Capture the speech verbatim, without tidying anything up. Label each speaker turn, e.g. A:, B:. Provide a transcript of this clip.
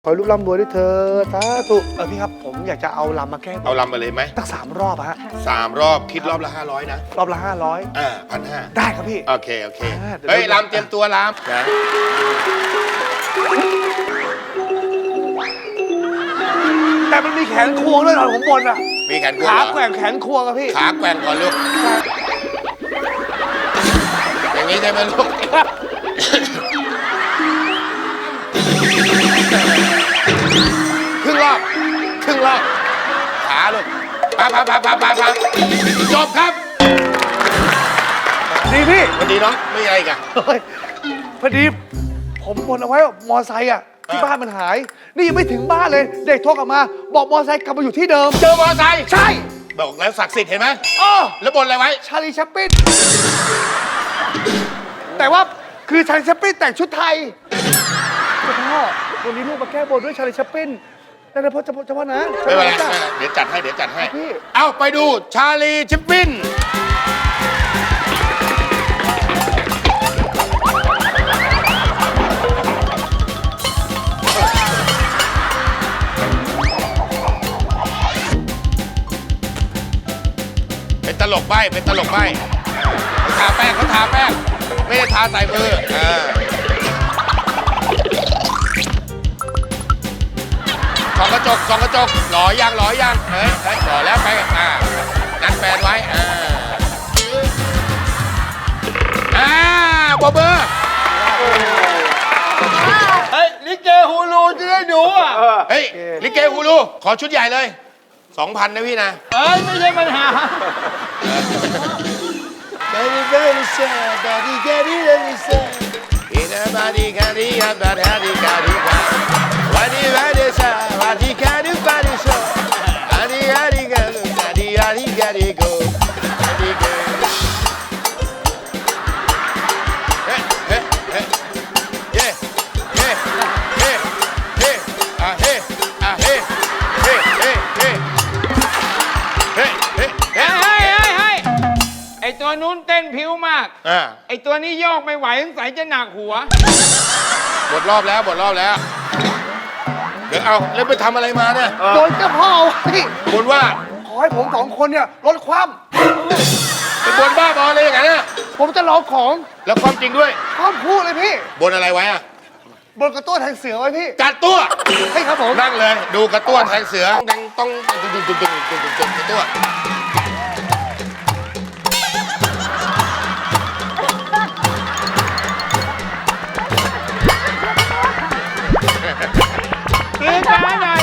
A: ขอให้ลูกร่ำรวยด้วยเธอสาธุเออพี่ครับผมอยากจะเอาลำมาแก้บน
B: เอาลำมาเลยไหม
A: ตั้งสามรอบอะฮะ
B: สามรอบคิดรอบละห้าร้อยนะ
A: รอบละห้าร้อย
B: อ่าพันห้า
A: ได้ครับพี่
B: โอเค โอเค
A: อ่าเดี๋ยว
B: เฮ้ย
A: เรา
B: ลำเตรียมตัวลำนะ
A: แต่มันมีแขนควงด้วยตอนผมบนอะ
B: มีแขนกวง
A: ขา
B: เหรอ
A: แกว่งแขนควงอะพี่
B: ขาแกว่งก่อนลูก อย่างนี้ใช่ไหมลูก ครึ่งรอบ ครึ่งรอบ ขาลูกปาปาปาปาปาปาจบครับ
A: ดีพี่
B: สวัสดีน้อง ไม่มีอะไรอีกัน
A: เฮ้ยพอดีผมบนเอาไว้ว่ามอไซค์อะที่บ้านมันหาย นี่ยังไม่ถึงบ้านเลย เด็กโทรกลับมา บอกมอไซค์กลับมาอยู่ที่เดิม
B: เจอมอเตอร์ไซค์
A: ใช่
B: บอกแล้วศักดิ์สิทธิ์เห็นไหม
A: อ้อ
B: แล้วบนอะไรไว้
A: ชาลีแชปปินแต่ว่าคือชาลีแชปปินแต่งชุดไทยเจ้าพ่อวันนี้ลูกมาแก้บนด้วยชาลีแชปปินนั่นนะพ่อเจ้าพ่อเจ้าพ่อนะ
B: ไม่เป็นไร
A: จ้ะ
B: ไม่เป็นไรเดี๋ยวจัดให้ เดี๋ยวจัดให้
A: พี่
B: เอาไปดูชาลีชิปปิน เป็นตลกใบ้เป็นตลกใบ้เขาทาแป้งเขาทาแป้ง ไม่ได้ทาใส่มืออ่าส่องกระจกส่องกระจกหล่อยังหล่อยังเฮ้ยเฮ้ยหล่อแล้วไปอ่านัดแฟนไว้อ่าอ่าบอเบอร์
C: เฮ้ยลิเกฮูลูจะได้ดูอ่ะ
B: เฮ้ย ลิเกฮูลูขอชุดใหญ่เลยสองพันนะพี่นะ
C: เอ้ยไม่ใช่ปัญหา
B: Very very sad, daddy daddy very sad. In a body candy, a bad daddy candy bad. What is very sad, what he candy body so. Daddy daddy go, daddy daddy daddy go, daddy go. Hey hey hey, yeah yeah hey hey ah hey ah hey hey hey hey hey hey
C: เฮ้ย
B: hey.
C: เฮ้ยเฮ้ยเฮ้ยไอตัวนู้นเต้นผิวมาก
B: อ่า
C: ไอตัวนี้โยกไม่ไหวสงสัยจะหนักหัว
B: หมดรอบแล้วหมดรอบแล้ว เดี๋ยวเอาแล้วไปทำอะไรมาเนี่ย
A: โดนเจ้าพ่อเอาไว้
B: บนว่า
A: ขอให้ผมสองคนเนี่ยลดความ
B: เป็นบนบ้าบออะไรอย่างนั้นน่ะ
A: ผมจะลองของ
B: แล้วความจริงด้วย
A: ความพูดเลยพี่
B: บนอะไรไว้อะ
A: บนกระตัวแทงเสือไว้พี่
B: กัดตัว
A: ให้ครับผม
B: นั่งเลย ดูกระตัวแทงเสือดังต้องดึงดึงดึงดึงดึงดึงดึงกระตัว
C: ตีการหน่อย